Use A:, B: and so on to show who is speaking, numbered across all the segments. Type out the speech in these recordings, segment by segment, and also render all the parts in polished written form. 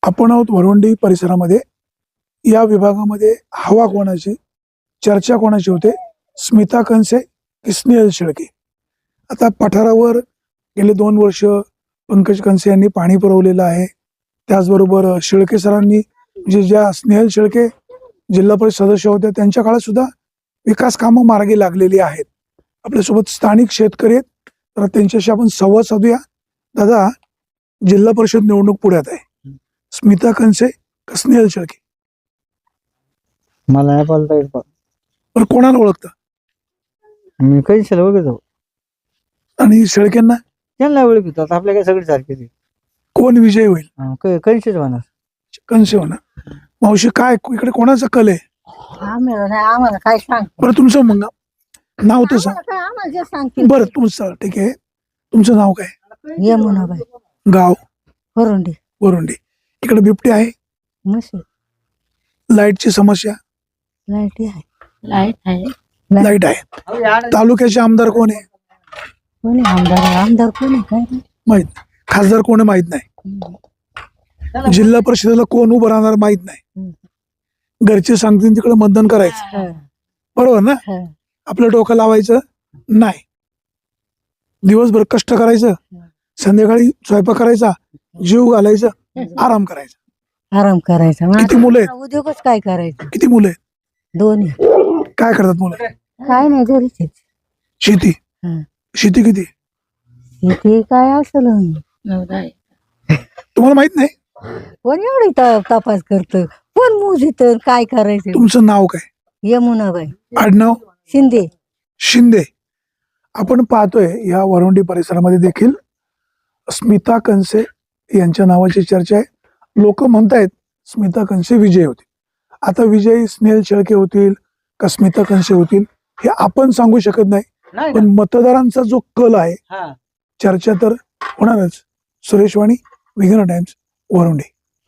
A: आपण आहोत वरवंडी परिसरामध्ये. या विभागामध्ये हवा कोणाची, चर्चा कोणाची होते, स्मिता कंसे की स्नेहल शेळके. आता पठारावर गेले 2 वर्ष पंकज कंसे यांनी पाणी पुरवलेलं आहे. त्याचबरोबर शेळके सरांनी म्हणजे ज्या स्नेहल शेळके जिल्हा परिषद सदस्य होत्या त्यांच्या काळात सुद्धा विकास कामं मार्गी लागलेली आहेत. आपल्यासोबत स्थानिक शेतकरी आहेत, तर त्यांच्याशी आपण संवाद साधूया. दादा, जिल्हा परिषद निवडणूक पुढ्यात आहे. स्मिता कंसे का स्नेहल शेळके?
B: मला नाही बोलता येत.
A: पण कोणाला ओळखता?
B: मी कधी ओळखतो
A: आणि शेळकेंना
B: त्यांना ओळखतो. आता आपल्या काय सगळे सारखेच आहे.
A: कोण विजय होईल?
B: कधीच होणार.
A: कंसे होणार. मावशी, काय इकडे कोणाचा कल आहे?
C: आम्हाला काय सांग,
A: बरं, तुमचं मग नाव तर सांग.
C: आम्हाला जे सांगतील.
A: बरं, तुमचं ठीक आहे. तुमचं नाव काय?
C: यमुनाबाई
A: गाव?
C: वरुंडी.
A: वरुंडी. इकडे बिबटे आहे,
C: म्हशी,
A: लाईटची समस्या,
C: लाईट आहे. लाईट आहे.
A: लाईट आहे. तालुक्याचे आमदार कोण आहे?
C: कोणी आमदार कोणी काय नाही.
A: माहित नाही. खासदार कोण आहे माहित नाही. जिल्हा परिषदेला कोण उभं राहणार माहित नाही. घरचे सांगतील तिकडे मतदान करायचं, बरोबर ना? आपलं डोकं लावायचं नाही. दिवसभर कष्ट करायचं, संध्याकाळी स्वयंपाक करायचा, जीव घालायचा, आराम करायचा.
C: आराम करायचा.
A: किती मुलं आहेत?
C: उद्योगच काय करायचं?
A: किती मुलं आहेत?
C: दोन्ही.
A: काय करतात मुलं?
C: काय नाही, घरीच आहेत.
A: शेती.
C: हं.
A: शेती किती?
C: शेती काय असेल
A: तुम्हाला माहित नाही?
C: कोण एवढी तपास करत, कोण मोजित, काय करायचं?
A: तुमचं नाव काय?
C: यमुनाबाई.
A: आडनाव?
C: शिंदे.
A: शिंदे. आपण पाहतोय या वरवंडी परिसरामध्ये देखील स्मिता कंसे यांच्या नावाची चर्चा आहे. लोक म्हणतायत स्मिता कंसे विजय होतील. आता विजयी स्नेहल शेळके होतील का स्मिता कंसे होतील हे आपण सांगू शकत नाही, पण मतदारांचा जो कल आहे, चर्चा तर होणारच. सुरेश वाणी, विघ्न टाइम्स, वरवंडी.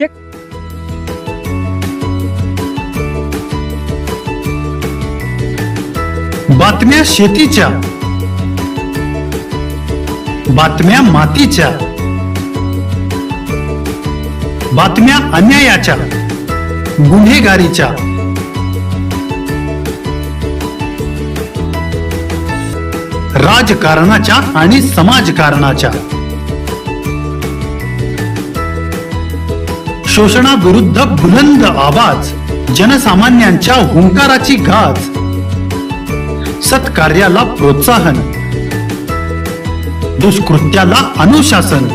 D: बातम्या शेतीच्या, बातम्या मातीच्या, बातम्या अन्यायाच्या, गुन्हेगारीच्या, राजकारणाच्या आणि समाजकारणाच्या, शोषणाविरुद्ध बुलंद आवाज, जनसामान्यांच्या हुंकाराची गाज, सत्कार्याला प्रोत्साहन, दुष्कृत्याला अनुशासन,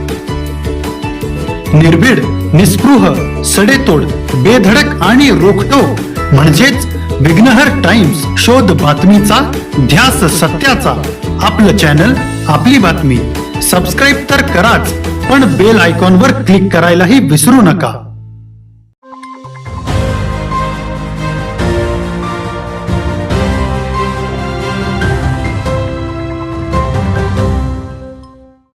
D: निर्भीड, निस्पृह, सडेतोड, बेधडक आणि रोखटोक म्हणजेच विघ्नहर टाइम्स. शोध बातमीचा, ध्यास सत्याचा. आपलं चॅनल, आपली बातमी. सबस्क्राईब तर कराच, पण बेल आयकॉनवर क्लिक करायलाही विसरू नका.